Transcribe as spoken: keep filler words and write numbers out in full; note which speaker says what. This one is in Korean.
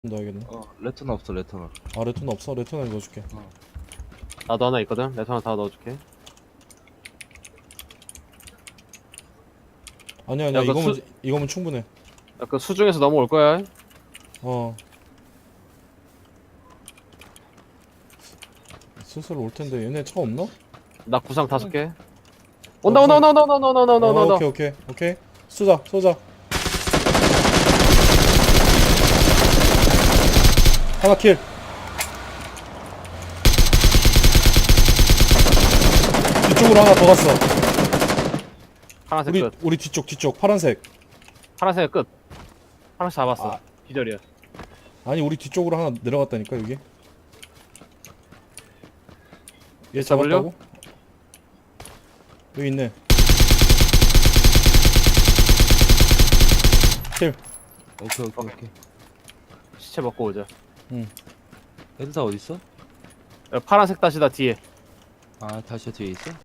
Speaker 1: 넣어야겠네.
Speaker 2: 어, 레터는 없어, 레터는.
Speaker 1: 아 레토나 없어? 레토나 넣어줄게.
Speaker 3: 나도 하나 있거든. 레터 하나 다 넣어줄게.
Speaker 1: 아니야 아니야
Speaker 3: 야, 그
Speaker 1: 이거면
Speaker 3: 수-
Speaker 1: 이거면 충분해.
Speaker 3: 야, 그 수중에서 넘어올 거야.
Speaker 1: 어. 슬슬 올 텐데 얘네 차 없나?
Speaker 3: 나 구상 다섯 개. 온다 온다 온다 온다 온다 온다 온다 온다
Speaker 1: 어,
Speaker 3: 온다.
Speaker 1: 오케이 오케이 오케이. 쏘자 쏘자. 하나 킬. 뒤쪽으로 하나 더 갔어.
Speaker 3: 파란색
Speaker 1: 우리
Speaker 3: 끝.
Speaker 1: 우리 뒤쪽 뒤쪽 파란색.
Speaker 3: 파란색 끝. 파란색 잡았어.
Speaker 1: 아.
Speaker 3: 기절이야.
Speaker 1: 아니 우리 뒤쪽으로 하나 내려갔다니까 여기. 얘
Speaker 3: 에스더블유?
Speaker 1: 잡았다고? 여기 있네. 킬.
Speaker 2: 오케이, 오케이, 오케이.
Speaker 3: 시체 먹고 오자.
Speaker 2: 애들 다 어딨어?
Speaker 3: 야, 파란색 다시 다 뒤에.
Speaker 2: 아, 다시 뒤에 있어?